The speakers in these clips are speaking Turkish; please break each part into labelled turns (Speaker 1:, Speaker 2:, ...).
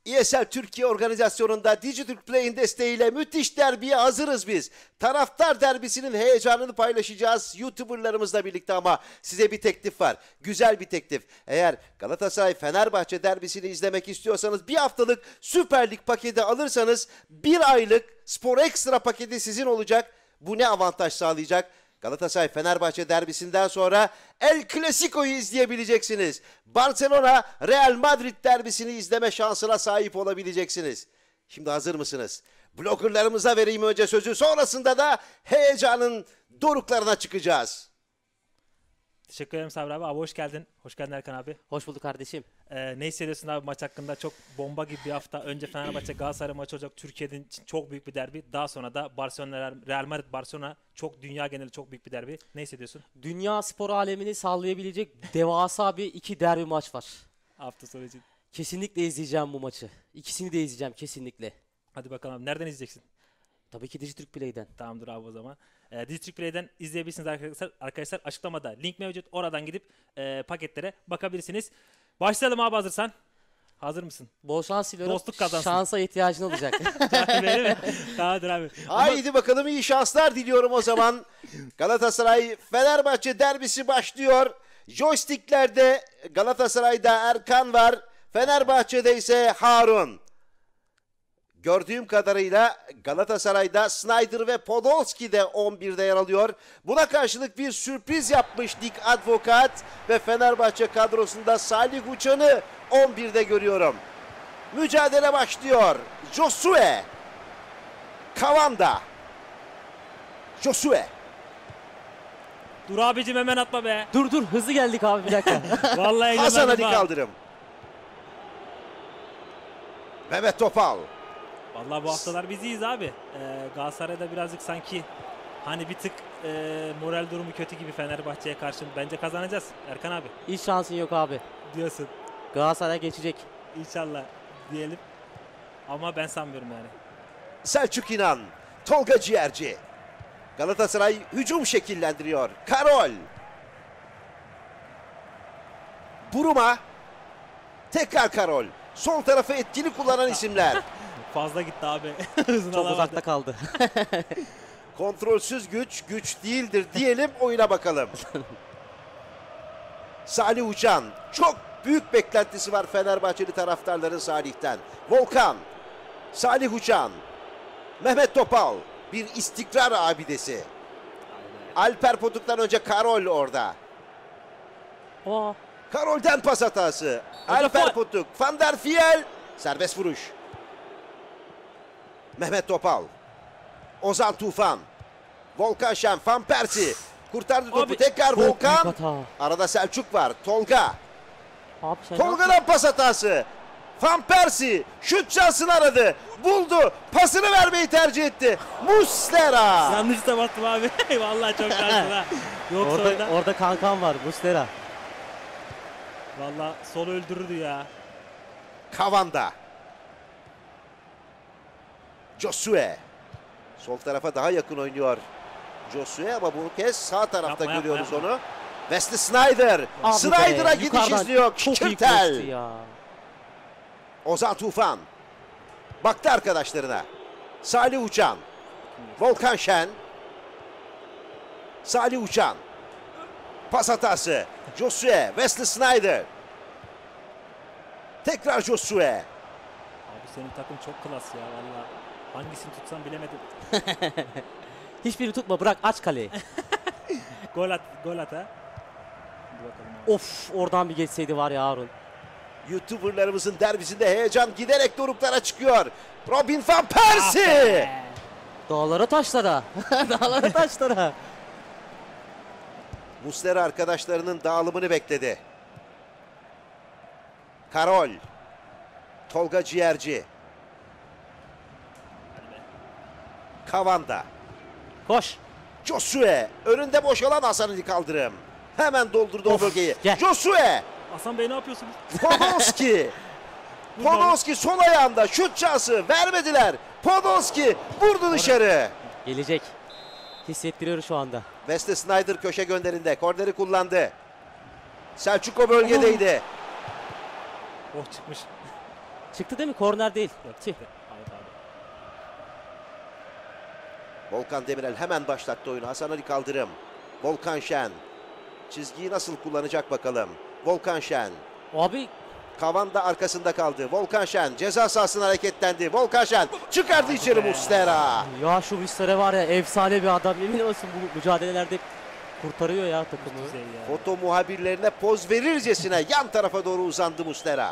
Speaker 1: ESL Türkiye organizasyonunda Dijitürk Play'in desteğiyle müthiş derbiye hazırız biz. Taraftar derbisinin heyecanını paylaşacağız YouTuber'larımızla birlikte ama size bir teklif var. Güzel bir teklif. Eğer Galatasaray-Fenerbahçe derbisini izlemek istiyorsanız bir haftalık Süper Lig paketi alırsanız bir aylık Spor Ekstra paketi sizin olacak. Bu ne avantaj sağlayacak? Galatasaray-Fenerbahçe derbisinden sonra El Clasico'yu izleyebileceksiniz. Barcelona-Real Madrid derbisini izleme şansına sahip olabileceksiniz. Şimdi hazır mısınız? Bloggerlarımıza vereyim önce sözü, sonrasında da heyecanın doruklarına çıkacağız.
Speaker 2: Teşekkür ederim Sabri abi. Hoş geldin. Hoş geldin Erkan abi.
Speaker 3: Hoş bulduk kardeşim.
Speaker 2: Ne hissediyorsun abi maç hakkında? Çok bomba gibi bir hafta. Önce Fenerbahçe Galatasaray maçı olacak. Türkiye'nin için çok büyük bir derbi. Daha sonra da Barcelona Real Madrid Barcelona, çok dünya geneli çok büyük bir derbi. Ne hissediyorsun?
Speaker 3: Dünya spor alemini sallayabilecek devasa bir iki derbi maç var.
Speaker 2: Hafta sonu için.
Speaker 3: Kesinlikle izleyeceğim bu maçı. İkisini de izleyeceğim kesinlikle.
Speaker 2: Hadi bakalım abi. Nereden izleyeceksin?
Speaker 3: Tabii ki Dijitürk Play'den.
Speaker 2: Tamamdır abi o zaman. Dijitürk Play'den izleyebilirsiniz arkadaşlar. Açıklamada link mevcut. Oradan gidip paketlere bakabilirsiniz. Başlayalım abi hazırsan. Hazır mısın?
Speaker 3: Bol şans diliyorum.
Speaker 2: Dostluk kazansın.
Speaker 3: Şansa ihtiyacın olacak.
Speaker 2: Öyle mi? Tamamdır abi.
Speaker 1: Haydi bakalım, iyi şanslar diliyorum o zaman. Galatasaray-Fenerbahçe derbisi başlıyor. Joysticklerde Galatasaray'da Erkan var. Fenerbahçe'de ise Harun. Gördüğüm kadarıyla Galatasaray'da Snyder ve Podolski de 11'de yer alıyor. Buna karşılık bir sürpriz yapmış Dik Advokat ve Fenerbahçe kadrosunda Salih Uçan'ı 11'de görüyorum. Mücadele başlıyor. Josue. Kavanda. Josue.
Speaker 2: Dur abicim hemen atma be.
Speaker 3: Dur hızlı geldik abi bir dakika.
Speaker 2: Vallahi
Speaker 1: Hasan Ali
Speaker 2: ha.
Speaker 1: Kaldırım. Mehmet Topal.
Speaker 2: Vallahi bu haftalar biziyiz abi. Galatasaray'da birazcık sanki hani bir tık moral durumu kötü gibi Fenerbahçe'ye karşı. Bence kazanacağız Erkan abi.
Speaker 3: Hiç şansın yok abi.
Speaker 2: Diyorsun.
Speaker 3: Galatasaray geçecek.
Speaker 2: İnşallah diyelim. Ama ben sanmıyorum yani.
Speaker 1: Selçuk İnan. Tolga Ciğerci. Galatasaray hücum şekillendiriyor. Karol. Buruma. Tekrar Karol. Sol tarafı etkili kullanan isimler.
Speaker 2: Fazla gitti abi. Hızını
Speaker 3: Çok
Speaker 2: alamadı.
Speaker 3: uzakta kaldı.
Speaker 1: Kontrolsüz güç, güç değildir diyelim, oyuna bakalım. Salih Uçan. Çok büyük beklentisi var Fenerbahçeli taraftarların Salih'ten. Volkan. Salih Uçan. Mehmet Topal. Bir istikrar abidesi. Alper Potuk'tan önce Karol orada.
Speaker 3: Aa,
Speaker 1: Karol'den pas hatası.
Speaker 2: Hoca
Speaker 1: Alper
Speaker 2: faul.
Speaker 1: Potuk. Van der Fiel. Serbest vuruş. Mehmet Topal. Ozan Tufan. Volkan Şen. Van Persie. Kurtardı topu.
Speaker 2: Abi,
Speaker 1: Tekrar
Speaker 3: çok büyük
Speaker 1: Volkan.
Speaker 3: hata.
Speaker 1: Arada Selçuk var. Tolga.
Speaker 3: Abi sen
Speaker 1: Tolga'dan pas hatası. Van Persie şut şansını aradı. Buldu. Pasını vermeyi tercih etti. Muslera.
Speaker 2: Yanlış da baktım abi. Vallahi çok şanslı ha. Yoksa orada.
Speaker 3: orada kankam var Muslera.
Speaker 2: Vallahi solu öldürürdü ya.
Speaker 1: Kavanda. Josue. Sol tarafa daha yakın oynuyor Josue ama bu kez sağ tarafta
Speaker 2: Yapma,
Speaker 1: görüyoruz
Speaker 2: yapma.
Speaker 1: onu. Wesley Snyder.
Speaker 3: Abi
Speaker 1: Snyder'a
Speaker 3: be,
Speaker 1: gidiş
Speaker 3: yukarıdan
Speaker 1: izliyor.
Speaker 3: Çok iyi
Speaker 1: Kişirtel.
Speaker 3: koştu ya.
Speaker 1: Ozan Tufan. Baktı arkadaşlarına. Salih Uçan. Volkan Şen. Salih Uçan. Pas hatası. Josue. Wesley Snyder. Tekrar Josue.
Speaker 2: Abi senin takım çok klas ya vallahi. Hangisini tutsam bilemedim.
Speaker 3: Hiçbirini tutma, bırak, aç kaleyi.
Speaker 2: Gol at ha. Hadi bakalım abi.
Speaker 3: Of, oradan bir geçseydi var ya Harun.
Speaker 1: YouTuber'larımızın derbisinde heyecan giderek doruklara çıkıyor. Robin van Persie.
Speaker 3: Dağlara taşlara. Dağlara taşlara.
Speaker 1: Muslera arkadaşlarının dağılımını bekledi. Karol. Tolga Ciğerci. Kavanda.
Speaker 3: Koş.
Speaker 1: Josue. Önünde boşalan Hasan Ali Kaldırım. Hemen doldurdu o
Speaker 3: Of,
Speaker 1: bölgeyi.
Speaker 3: gel.
Speaker 1: Josue.
Speaker 2: Hasan Bey ne yapıyorsunuz?
Speaker 1: Podolski. Podolski sol ayağında şut şansı vermediler. Podolski vurdu dışarı.
Speaker 3: Gelecek. Hissettiriyor şu anda.
Speaker 1: Wesley Snyder köşe gönderinde. Korneri kullandı. Selçuk o bölgedeydi.
Speaker 2: Oh çıkmış.
Speaker 3: Çıktı değil mi? Korner değil.
Speaker 2: Yok,
Speaker 3: Tüh.
Speaker 2: çıktı. Hayır abi.
Speaker 1: Volkan Demirel hemen başlattı oyunu. Hasan Ali Kaldırım. Volkan Şen. Çizgiyi nasıl kullanacak bakalım. Volkan Şen.
Speaker 3: Abi
Speaker 1: Kavan da arkasında kaldı. Volkan Şen ceza sahasına hareketlendi. Volkan Şen çıkardı içeri Muslera.
Speaker 3: ya şu Muslera var ya efsane bir adam. Yemin olsun bu mücadelelerde kurtarıyor ya takımı.
Speaker 2: Güzel ya.
Speaker 1: Foto muhabirlerine poz verircesine yan tarafa doğru uzandı Muslera.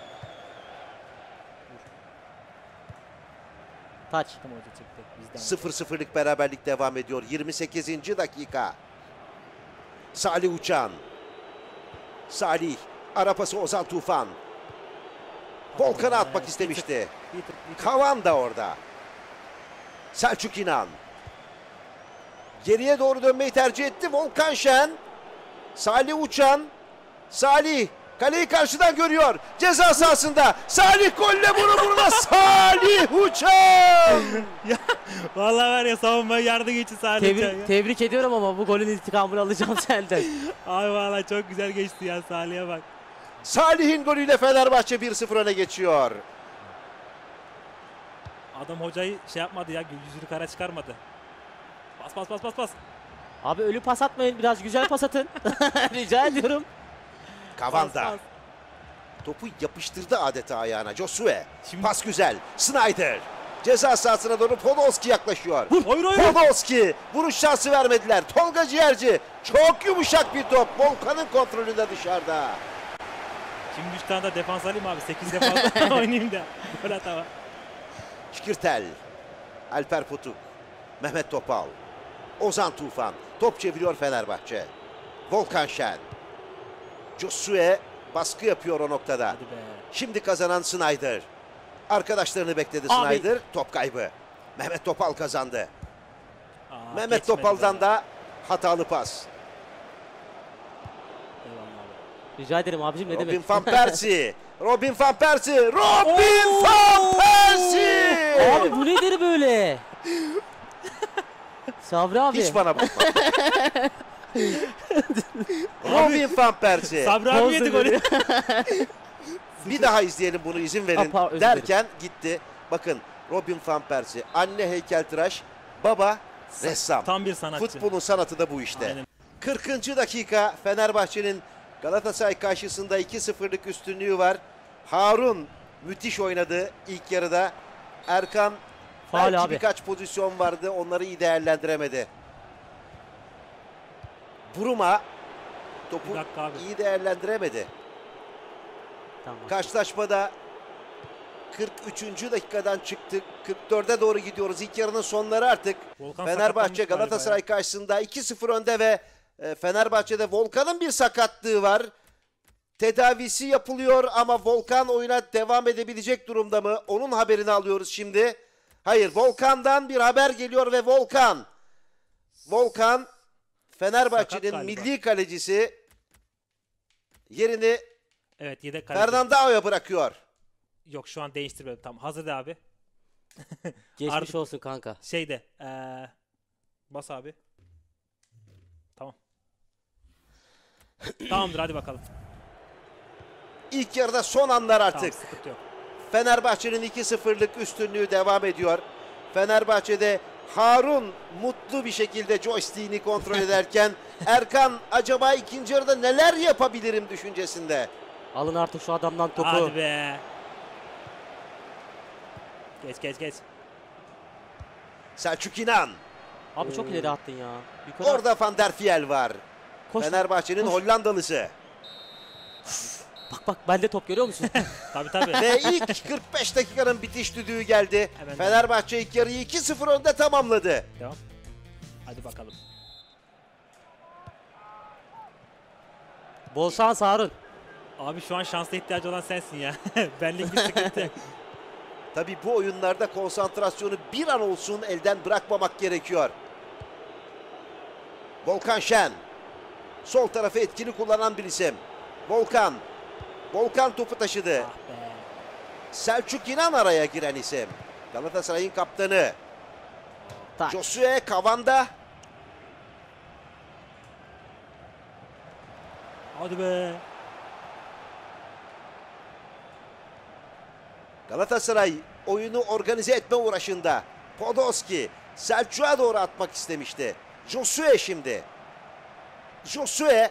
Speaker 3: Taç.
Speaker 2: Tam hoca çıktı. Bizden.
Speaker 1: 0-0'lık beraberlik devam ediyor. 28. dakika. Salih Uçan. Salih. Ara pası Ozan Tufan. Volkan'a atmak istemişti.
Speaker 2: Bir tık.
Speaker 1: Kavan da orada. Selçuk İnan. Geriye doğru dönmeyi tercih etti. Volkan Şen. Salih Uçan. Salih. Kaleyi karşıdan görüyor. Ceza sahasında. Salih golle vuruna Salih Uçan.
Speaker 2: Vallahi var ya savunmaya yardım için Salih Uçan ya.
Speaker 3: Tebrik ediyorum ama bu golün intikamını alacağım senden.
Speaker 2: Ay vallahi çok güzel geçti ya, Salih'e bak.
Speaker 1: Salih'in golüyle Fenerbahçe 1-0 öne geçiyor.
Speaker 2: Adam hocayı şey yapmadı ya, yüzünü kara çıkarmadı. Bas.
Speaker 3: Abi ölü pas atmayın, biraz güzel pas atın. Rica ediyorum.
Speaker 1: Kavanda.
Speaker 2: Pas.
Speaker 1: Topu yapıştırdı adeta ayağına. Josue.
Speaker 2: Şimdi-
Speaker 1: Pas güzel. Snyder. Ceza sahasına doğru Podolski yaklaşıyor.
Speaker 2: Hayır.
Speaker 1: Podolski. Vuruş şansı vermediler. Tolga Ciğerci. Çok yumuşak bir top. Volkan'ın kontrolünde dışarıda.
Speaker 2: Şimdi 3 tane de defans alayım abi. 8 defans oynayayım da. Gol atama.
Speaker 1: Şikirtel. Alper Putuk. Mehmet Topal. Ozan Tufan. Top çeviriyor Fenerbahçe. Volkan Şen. Josue baskı yapıyor o noktada.
Speaker 2: Hadi be.
Speaker 1: Şimdi kazanan Snyder. Arkadaşlarını bekledi
Speaker 3: Abi.
Speaker 1: Snyder. Top kaybı. Mehmet Topal kazandı. Mehmet
Speaker 2: Geçmedi
Speaker 1: Topal'dan
Speaker 2: be.
Speaker 1: da hatalı pas.
Speaker 2: Eyvallah abi.
Speaker 3: Rica ederim abicim, ne
Speaker 1: Robin
Speaker 3: demek.
Speaker 1: van Persie. Robin van Persie. Robin van Persie.
Speaker 3: Abi bu nedir böyle? Sabri abi.
Speaker 1: Hiç bana bakma. Robin van Persie.
Speaker 2: Sabri abi yedi golü.
Speaker 1: Bir daha izleyelim bunu, izin verin
Speaker 3: Özür
Speaker 1: derken gitti. Bakın Robin van Persie. Anne heykeltıraş, baba ressam.
Speaker 2: Tam bir sanatçı.
Speaker 1: Futbolun sanatı da bu işte.
Speaker 2: Aynen.
Speaker 1: 40. dakika Fenerbahçe'nin Galatasaray karşısında 2-0'lık üstünlüğü var. Harun müthiş oynadı ilk yarıda. Erkan
Speaker 3: Faul
Speaker 1: belki
Speaker 3: abi.
Speaker 1: birkaç pozisyon vardı, onları iyi değerlendiremedi. Buruma topu
Speaker 2: Bir dakika abi.
Speaker 1: iyi değerlendiremedi.
Speaker 3: Tamam.
Speaker 1: Karşılaşmada 43. dakikadan çıktık. 44'e doğru gidiyoruz. İlk yarının sonları artık.
Speaker 2: Volkan
Speaker 1: Fenerbahçe
Speaker 2: sakatlanmış galiba
Speaker 1: Galatasaray
Speaker 2: ya.
Speaker 1: karşısında 2-0 önde ve Fenerbahçe'de Volkan'ın bir sakatlığı var. Tedavisi yapılıyor ama Volkan oyuna devam edebilecek durumda mı? Onun haberini alıyoruz şimdi. Hayır, Volkan'dan bir haber geliyor ve Volkan Fenerbahçe'nin
Speaker 2: Sakat galiba.
Speaker 1: milli kalecisi yerini
Speaker 2: Evet, yedek kaleci.
Speaker 1: Fernandao'ya bırakıyor.
Speaker 2: Yok, şu an değiştirmedim. Tamam, hazır da abi.
Speaker 3: Geçmiş
Speaker 2: Artık-
Speaker 3: olsun kanka.
Speaker 2: Şeyde bas abi. Tamam. Tamamdır, hadi bakalım.
Speaker 1: İlk yarıda son anlar artık.
Speaker 2: Tamam, sıkıntı yok.
Speaker 1: Fenerbahçe'nin 2-0'lık üstünlüğü devam ediyor. Fenerbahçe'de Harun mutlu bir şekilde joystick'ini kontrol ederken Erkan acaba ikinci yarıda neler yapabilirim düşüncesinde.
Speaker 3: Alın artık şu adamdan topu.
Speaker 2: Hadi be. Geç.
Speaker 1: Selçuk İnan.
Speaker 3: Abi çok ileri attın ya. Yukarı
Speaker 1: Orada Van der Fiel var.
Speaker 3: koş.
Speaker 1: Fenerbahçe'nin
Speaker 3: koş.
Speaker 1: Hollandalısı.
Speaker 3: Bak bende top, görüyor musun?
Speaker 2: Tabii.
Speaker 1: Ve ilk 45 dakikanın bitiş düdüğü geldi.
Speaker 2: Hemen.
Speaker 1: Fenerbahçe ilk yarıyı 2-0 önde tamamladı.
Speaker 2: Devam. Hadi bakalım.
Speaker 3: Bol şans Harun.
Speaker 2: Abi şu an şansla ihtiyacı olan sensin ya. Benlik bir sıkıntı yok.
Speaker 1: Tabii bu oyunlarda konsantrasyonu bir an olsun elden bırakmamak gerekiyor. Volkan Şen. Sol tarafı etkili kullanan bir isim. Volkan topu taşıdı.
Speaker 2: Ah be.
Speaker 1: Selçuk İnan araya giren isim. Galatasaray'ın kaptanı.
Speaker 3: Tak.
Speaker 1: Josue Kavanda.
Speaker 2: Hadi be.
Speaker 1: Galatasaray oyunu organize etme uğraşında. Podolski Selçuk'a doğru atmak istemişti. Josue şimdi. Josue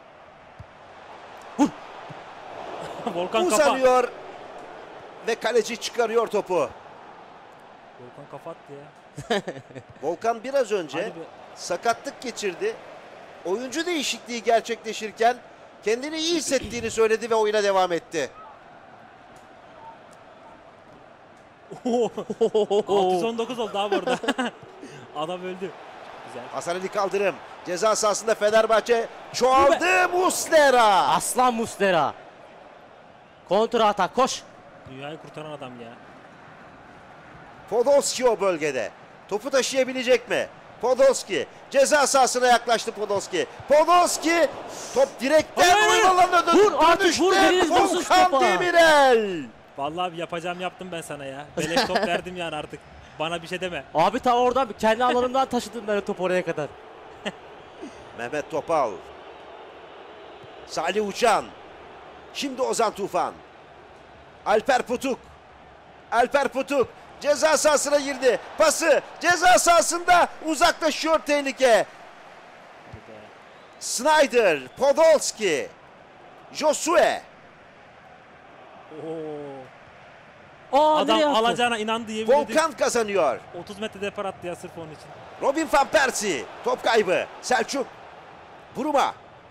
Speaker 2: Volkan kafa.
Speaker 1: uzanıyor ve kaleci çıkarıyor topu.
Speaker 2: Volkan kafa attı ya.
Speaker 1: Volkan biraz önce
Speaker 2: Hadi be.
Speaker 1: sakatlık geçirdi. Oyuncu değişikliği gerçekleşirken kendini iyi hissettiğini söyledi ve oyuna devam etti.
Speaker 2: 619 oldu abi orada. Adam öldü. Güzel.
Speaker 1: Hasan Ali Kaldırım ceza sahasında Fenerbahçe çoğaldı. Muslera.
Speaker 3: Aslan Muslera. Kontra atak koş.
Speaker 2: Dünyayı kurtaran adam ya.
Speaker 1: Podolski o bölgede. Topu taşıyabilecek mi? Podolski ceza sahasına yaklaştı Podolski. Podolski top direkten
Speaker 2: Hayır,
Speaker 1: oyun alanına
Speaker 3: Vur artık, vur, biriniz vursun
Speaker 1: Volkan
Speaker 3: topa.
Speaker 1: Demirel.
Speaker 2: Vallahi bir yapacağım yaptım ben sana ya. Beleş top verdim yani artık. Bana bir şey deme.
Speaker 3: Abi ta oradan kendi alanımdan taşıdım ben o topu oraya kadar.
Speaker 1: Mehmet Topal. Salih Uçan. Şimdi Ozan Tufan. Alper Putuk. Alper Putuk ceza sahasına girdi. Pası ceza sahasında uzaklaşıyor tehlike. Snyder, Podolski, Josue.
Speaker 2: Oo.
Speaker 3: Aa,
Speaker 2: Adam
Speaker 3: nereye attı?
Speaker 2: alacağına inandı yemin ediyorum.
Speaker 1: Volkan kazanıyor.
Speaker 2: 30 metre depar attı ya sırf onun için.
Speaker 1: Robin van Persie. Top kaybı. Selçuk. Buruma.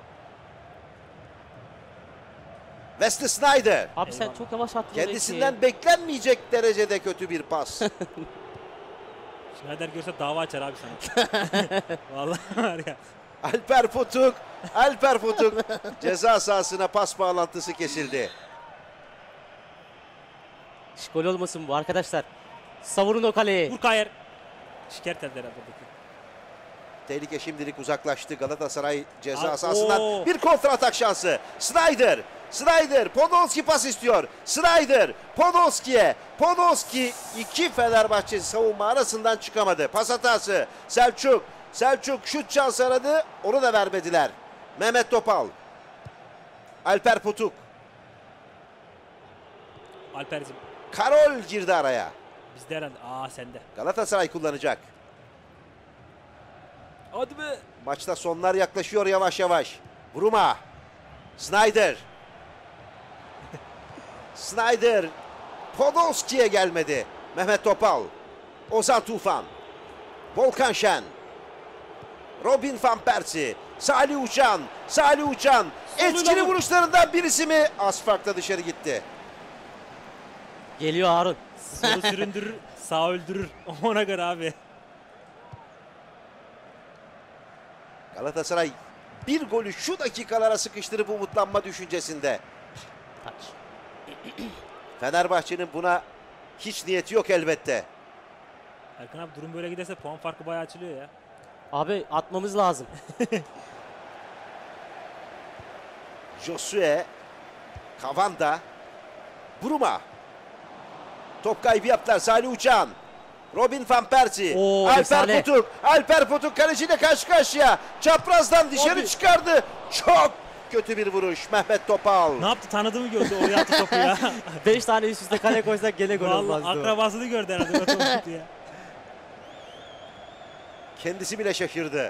Speaker 1: Wesley Snyder.
Speaker 3: Abi sen
Speaker 2: Eyvallah.
Speaker 3: çok yavaş attın orayı
Speaker 1: Kendisinden
Speaker 3: ki.
Speaker 1: beklenmeyecek derecede kötü bir pas.
Speaker 2: Schneider görse dava açar abi sana. Vallahi var ya.
Speaker 1: Alper Putuk. Alper Putuk. Ceza sahasına pas bağlantısı kesildi.
Speaker 3: Gol olmasın bu arkadaşlar. Savurun o kaleyi.
Speaker 2: Vur Kayer. Şikayet eder herhalde.
Speaker 1: Tehlike şimdilik uzaklaştı. Galatasaray ceza
Speaker 2: Aa,
Speaker 1: sahasından
Speaker 2: oo.
Speaker 1: bir kontra atak şansı. Snyder. Snyder. Podolski pas istiyor. Snyder. Podolski'ye. Podolski iki Fenerbahçe savunma arasından çıkamadı. Pas hatası. Selçuk. Selçuk şut şansı aradı. Onu da vermediler. Mehmet Topal. Alper Putuk.
Speaker 2: Alper'cim.
Speaker 1: Karol girdi araya.
Speaker 2: Bizde herhalde. Aa sende.
Speaker 1: Galatasaray kullanacak.
Speaker 2: Hadi be.
Speaker 1: Maçta sonlar yaklaşıyor yavaş yavaş. Buruma. Snyder. Snyder. Podolski'ye gelmedi. Mehmet Topal. Ozan Tufan. Volkan Şen. Robin van Persie. Salih Uçan. Salih Uçan. Etkili
Speaker 2: vur.
Speaker 1: vuruşlarından birisi mi? Az farkla dışarı gitti.
Speaker 3: Geliyor Harun.
Speaker 2: Solu süründürür, sağ öldürür. Ona göre abi.
Speaker 1: Galatasaray bir golü şu dakikalara sıkıştırıp umutlanma düşüncesinde.
Speaker 3: Taç.
Speaker 1: Fenerbahçe'nin buna hiç niyeti yok elbette.
Speaker 2: Erkan abi durum böyle giderse puan farkı bayağı açılıyor ya.
Speaker 3: Abi atmamız lazım.
Speaker 1: Josue, Kavanda, Buruma. Top kaybı yaptılar. Salih Uçan, Robin van Persie,
Speaker 3: Oo,
Speaker 1: Alper
Speaker 3: efsane.
Speaker 1: Putuk. Alper Putuk kaleciyle karşı karşıya. Çaprazdan dışarı
Speaker 3: Abi.
Speaker 1: çıkardı. Çok kötü bir vuruş. Mehmet Topal.
Speaker 2: Ne yaptı tanıdığımı gördü oraya attı topu ya.
Speaker 3: 5 tane üst üste kale koysak gene gol
Speaker 2: Vallahi
Speaker 3: olmazdı. o.
Speaker 2: akrabasını gördü herhalde o topu tuttu ya.
Speaker 1: Kendisi bile şaşırdı.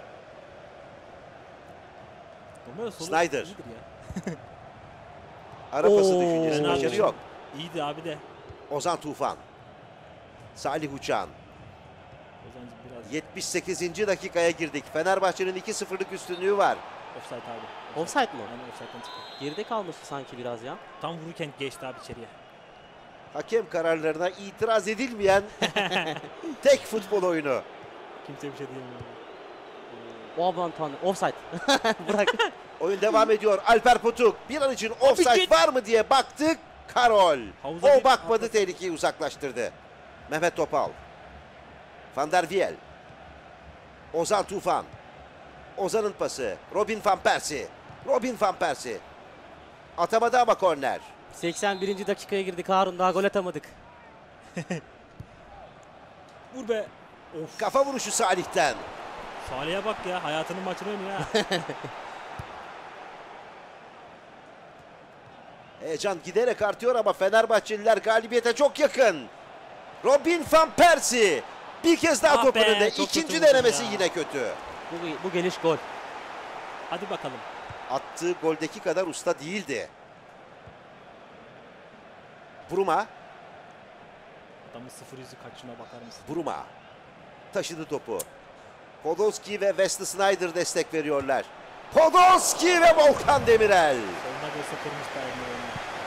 Speaker 2: Normal solu
Speaker 1: Snyder.
Speaker 2: iyidir ya.
Speaker 1: Ara pası
Speaker 3: Oo.
Speaker 1: düşüncesi
Speaker 2: Fena
Speaker 1: başarı
Speaker 2: bir
Speaker 1: yok.
Speaker 2: İyiydi abi de.
Speaker 1: Ozan Tufan. Salih Uçan.
Speaker 2: Ozancım biraz
Speaker 1: 78. dakikaya girdik. Fenerbahçe'nin 2-0'lık üstünlüğü var.
Speaker 2: offside abi.
Speaker 3: Offside mi?
Speaker 2: Aynen offside'den çıktı.
Speaker 3: Geride kalmıştı sanki biraz ya.
Speaker 2: Tam vururken geçti abi içeriye.
Speaker 1: Hakem kararlarına itiraz edilmeyen tek futbol oyunu.
Speaker 2: Kimse bir şey diyemiyor.
Speaker 3: O aman tanrım. Offside. Bırak.
Speaker 1: Oyun devam ediyor. Alper Putuk bir an için offside
Speaker 2: git.
Speaker 1: var mı diye baktık. Karol.
Speaker 2: Havuza
Speaker 1: O
Speaker 2: bir-
Speaker 1: bakmadı, tehlikeyi uzaklaştırdı. Mehmet Topal. Van der Viel. Ozan Tufan. Ozan'ın pası. Robin van Persie. Robin van Persie. Atamadı ama korner.
Speaker 3: 81. dakikaya girdik Harun, daha gol atamadık.
Speaker 2: Vur be. Of.
Speaker 1: Kafa vuruşu Salih'ten.
Speaker 2: Salih'e bak ya. Hayatının maçını oynuyor ha.
Speaker 1: Heyecan giderek artıyor ama Fenerbahçeliler galibiyete çok yakın. Robin van Persie bir kez daha
Speaker 2: Ah
Speaker 1: top
Speaker 2: be,
Speaker 1: önünde.
Speaker 2: çok
Speaker 1: İkinci
Speaker 2: kötü
Speaker 1: denemesi
Speaker 2: vurdun ya.
Speaker 1: yine kötü.
Speaker 3: Bu geliş gol.
Speaker 2: Hadi bakalım.
Speaker 1: Attığı goldeki kadar usta değildi. Bruma.
Speaker 2: Adamın 0 yüzü kaçına bakar mısın?
Speaker 1: Bruma taşıdı topu. Podolski ve Wesley Sneijder destek veriyorlar. Podolski ve Volkan Demirel.
Speaker 2: Soluna görse kırmış da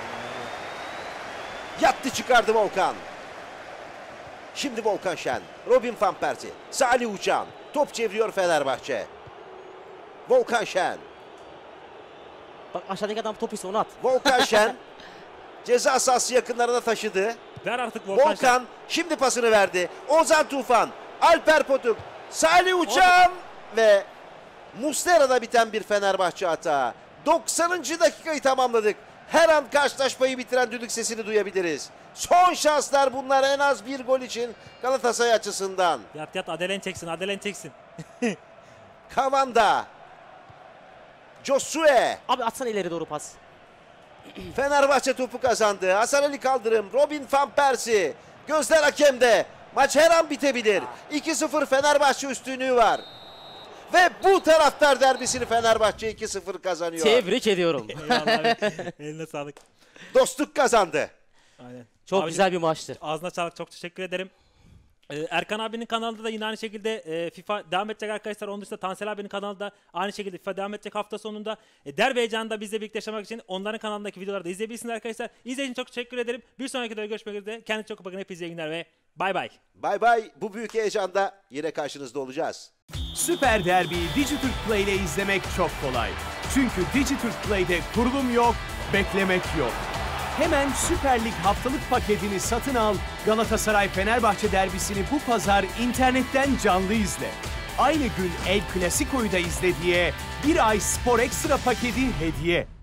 Speaker 1: Yattı çıkardı Volkan. Şimdi Volkan Şen. Robin van Persie. Salih Uçan. Top çeviriyor Fenerbahçe. Volkan Şen.
Speaker 3: Bak aşağıdaki adam top ise onu at.
Speaker 1: Volkan Şen. Ceza sahası yakınlarına taşıdı.
Speaker 2: Ver artık Volkan.
Speaker 1: Volkan şimdi pasını verdi. Ozan Tufan. Alper Potuk. Salih Uçan ve Muslera'da biten bir Fenerbahçe hata. 90. dakikayı tamamladık. Her an karşılaşmayı bitiren düdük sesini duyabiliriz. Son şanslar bunlar en az bir gol için Galatasaray açısından.
Speaker 2: Yat Adelen çeksin, Adelen çeksin.
Speaker 1: Kavanda. Josue.
Speaker 3: Abi atsana ileri doğru pas.
Speaker 1: Fenerbahçe topu kazandı. Hasan Ali Kaldırım. Robin van Persie. Gözler hakemde. Maç her an bitebilir. 2-0 Fenerbahçe üstünlüğü var. Ve bu taraftar derbisini Fenerbahçe 2-0 kazanıyor.
Speaker 3: Tebrik ediyorum.
Speaker 2: Eyvallah abi. Eline sağlık.
Speaker 1: Dostluk kazandı.
Speaker 2: Aynen.
Speaker 3: Çok
Speaker 2: Abicim,
Speaker 3: güzel bir maçtı.
Speaker 2: ağzına sağlık, çok teşekkür ederim. Erkan abinin kanalında da yine aynı şekilde FIFA devam edecek arkadaşlar. Onun dışında Tansel abinin kanalında aynı şekilde FIFA devam edecek hafta sonunda. Derbi heyecanında bizle birlikte yaşamak için onların kanalındaki videoları da izleyebilirsiniz arkadaşlar. İzlediğiniz için çok teşekkür ederim. Bir sonraki videoda görüşmek üzere. Kendinize çok bakın. Hepinize iyi günler ve bay bay.
Speaker 1: Bay bay. Bu büyük heyecanda yine karşınızda olacağız.
Speaker 4: Süper Derbi'yi Dijitürk Play ile izlemek çok kolay. Çünkü Dijitürk Play'de kurulum yok, beklemek yok. Hemen Süper Lig haftalık paketini satın al, Galatasaray-Fenerbahçe derbisini bu pazar internetten canlı izle. Aynı gün El Clasico'yu da izle diye bir ay Spor Ekstra paketi hediye.